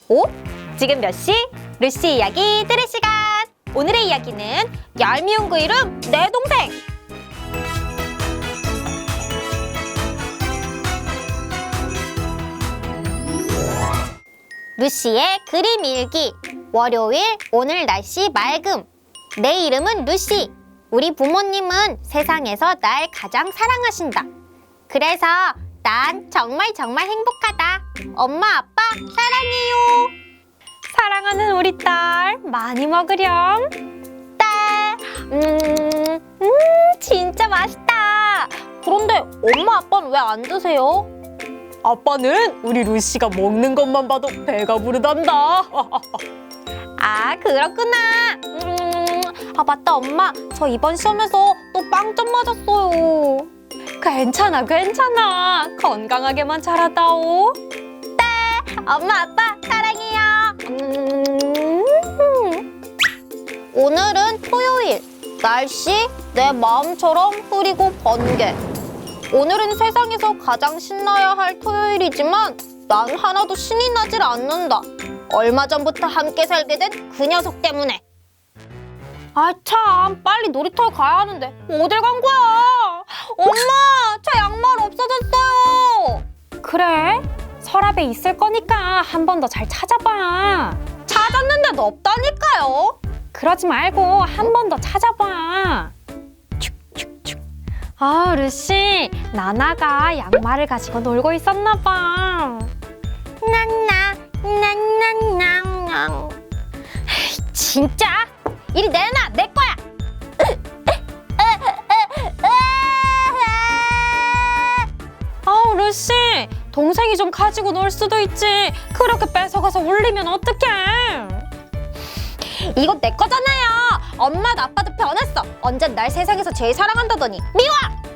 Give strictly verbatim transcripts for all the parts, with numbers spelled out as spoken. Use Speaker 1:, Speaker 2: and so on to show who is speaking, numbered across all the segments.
Speaker 1: 오? 지금 몇 시? 루시 이야기 들을 시간! 오늘의 이야기는 얄미운 그 이름 내 동생! 루시의 그림 일기. 월요일, 오늘 날씨 맑음. 내 이름은 루시. 우리 부모님은 세상에서 날 가장 사랑하신다. 그래서 난 정말 정말 행복하다. 엄마, 아빠 사랑해요. 사랑하는 우리 딸 많이 먹으렴. 딸, 음, 음, 진짜 맛있다. 그런데 엄마, 아빠는 왜 안 드세요?
Speaker 2: 아빠는 우리 루시가 먹는 것만 봐도 배가 부르단다.
Speaker 1: 아, 그렇구나. 음, 아, 맞다, 엄마. 저 이번 시험에서 또 빵점 맞았어요.
Speaker 2: 괜찮아, 괜찮아. 건강하게만 자라다오.
Speaker 1: 엄마, 아빠 사랑해요. 음. 오늘은 토요일. 날씨 내 마음처럼 흐리고 번개. 오늘은 세상에서 가장 신나야 할 토요일이지만 난 하나도 신이 나질 않는다. 얼마 전부터 함께 살게 된 그 녀석 때문에. 아 참, 빨리 놀이터에 가야 하는데 어딜 간 거야? 엄마, 제 양말 없어졌어요.
Speaker 2: 그래? 서랍에 있을 거니까 한 번 더 잘 찾아봐.
Speaker 1: 찾았는데도 없다니까요.
Speaker 2: 그러지 말고 한 번 더 찾아봐. 축축축. 아, 루시, 나나가 양말을 가지고 놀고 있었나 봐.
Speaker 1: 난나 난난난 진짜? 이리 내놔, 내 거야.
Speaker 2: 아우, 루시, 동생이 좀 가지고 놀 수도 있지. 그렇게 뺏어가서 울리면 어떡해.
Speaker 1: 이거 내 거잖아요. 엄마도 아빠도 변했어. 언젠 날 세상에서 제일 사랑한다더니 미워.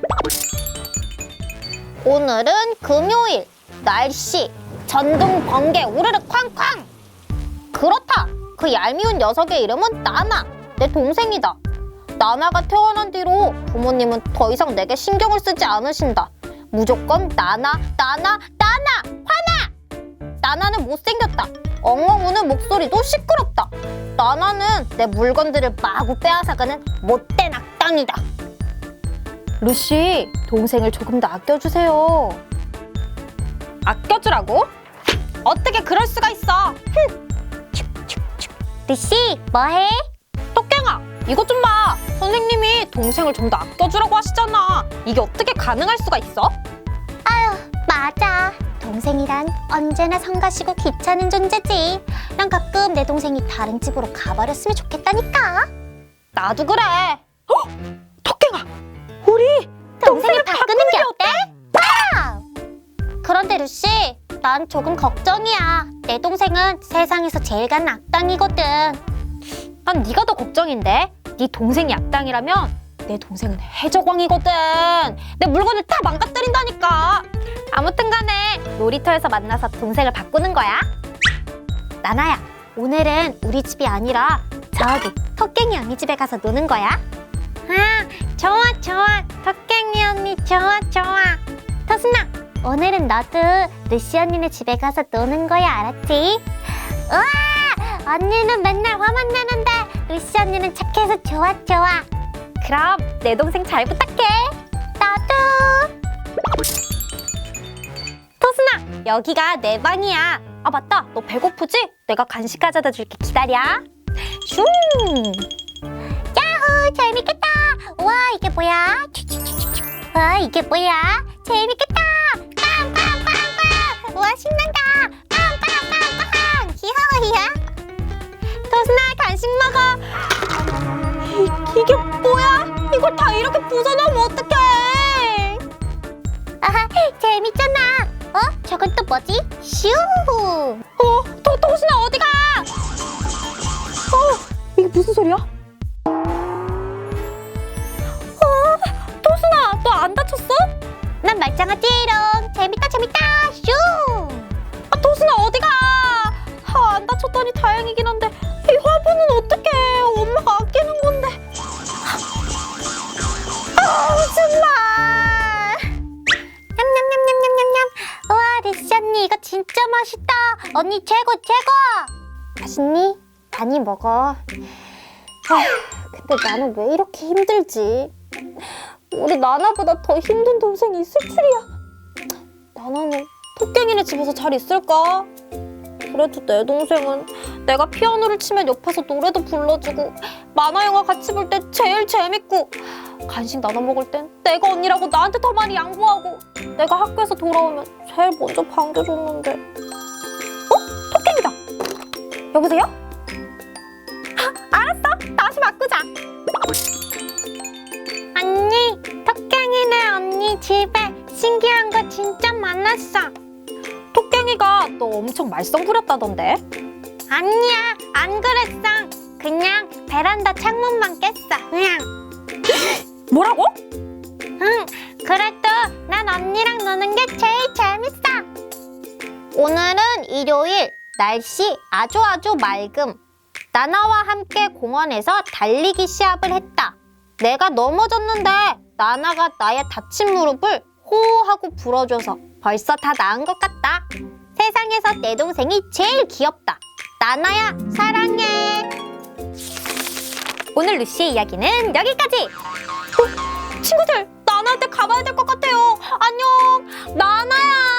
Speaker 1: 오늘은 금요일. 날씨 전등 번개 우르르 쾅쾅. 그렇다. 그 얄미운 녀석의 이름은 나나. 내 동생이다. 나나가 태어난 뒤로 부모님은 더 이상 내게 신경을 쓰지 않으신다. 무조건 나나, 나나, 나나, 화나! 나나는 못생겼다. 엉엉 우는 목소리도 시끄럽다. 나나는 내 물건들을 마구 빼앗아가는 못된 악당이다. 루시, 동생을 조금 더 아껴주세요. 아껴주라고? 어떻게 그럴 수가 있어? 흠. 루시, 뭐해? 토깽아, 이것 좀 봐. 선생님이 동생을 좀 더 아껴주라고 하시잖아. 이게 어떻게 가능할 수가 있어? 아유, 맞아. 동생이란 언제나 성가시고 귀찮은 존재지. 난 가끔 내 동생이 다른 집으로 가버렸으면 좋겠다니까. 나도 그래.
Speaker 2: 어? 토깽아, 우리
Speaker 1: 동생을 바꾸는 게 어때? 아! 그런데 루시, 난 조금 걱정이야. 내 동생은 세상에서 제일 간 악당이거든. 난 네가 더 걱정인데? 네 동생이 악당이라면 내 동생은 해적왕이거든. 내 물건을 다 망가뜨린다니까. 아무튼 간에 놀이터에서 만나서 동생을 바꾸는 거야. 나나야, 오늘은 우리 집이 아니라 저기 토깽이 언니 집에 가서 노는 거야. 아, 좋아 좋아. 토깽이 언니 좋아 좋아. 토순아, 오늘은 너도 루시 언니네 집에 가서 노는 거야, 알았지? 우와! 언니는 맨날 화만 내는데 루시 언니는 착해서 좋아 좋아. 그럼 내 동생 잘 부탁해. 나도. 토순아, 여기가 내 방이야. 아 맞다, 너 배고프지? 내가 간식 가져다 줄게. 기다려. 슝. 야호, 재밌겠다. 우와, 이게 뭐야? 추추추추추. 와, 이게 뭐야? 재밌겠다. 빵빵빵빵. 우와, 신난다. 빵빵빵빵. 히하히야. 토순아, 간식 먹어. 이, 이게 뭐야? 이걸 다 이렇게 부숴놓으면 어떡해? 아하, 재밌잖아. 어? 저건 또 뭐지? 슈.
Speaker 2: 어, 도, 도순아 어디가? 어, 이게 무슨 소리야? 어, 도순아, 너 안 다쳤어?
Speaker 1: 난 말짱하지롱. 재밌다 재밌다. 슈.
Speaker 2: 아, 도순아 어디가? 아, 안 다쳤다니 다행이긴 한데 이 화분은 어떡해? 엄마가 아끼는 건데. 아, 정말.
Speaker 1: 냠냠냠냠냠냠냠. 우와, 루시 언니 이거 진짜 맛있다. 언니 최고 최고. 맛있니? 많이 먹어. 아휴, 근데 나는 왜 이렇게 힘들지? 우리 나나보다 더 힘든 동생이 있을 줄이야. 나나는 토깽이네 집에서 잘 있을까? 그래도 내 동생은 내가 피아노를 치면 옆에서 노래도 불러주고 만화 영화 같이 볼 때 제일 재밌고 간식 나눠 먹을 땐 내가 언니라고 나한테 더 많이 양보하고 내가 학교에서 돌아오면 제일 먼저 반겨줬는데. 어? 토깽이다. 여보세요? 아, 알았어. 다시 바꾸자. 언니, 토깽이네 언니 집에 신기한 거 진짜 많았어.
Speaker 2: 토깽이가 너 엄청 말썽 부렸다던데?
Speaker 1: 아니야, 안 그랬어. 그냥 베란다 창문만 깼어. 그냥.
Speaker 2: 뭐라고?
Speaker 1: 응, 그래도 난 언니랑 노는 게 제일 재밌어. 오늘은 일요일, 날씨 아주 아주 맑음. 나나와 함께 공원에서 달리기 시합을 했다. 내가 넘어졌는데 나나가 나의 다친 무릎을 호호하고 불어줘서 벌써 다 나은 것 같다. 세상에서 내 동생이 제일 귀엽다. 나나야, 사랑해. 오늘 루시의 이야기는 여기까지. 어, 친구들, 나나한테 가봐야 될 것 같아요. 안녕, 나나야.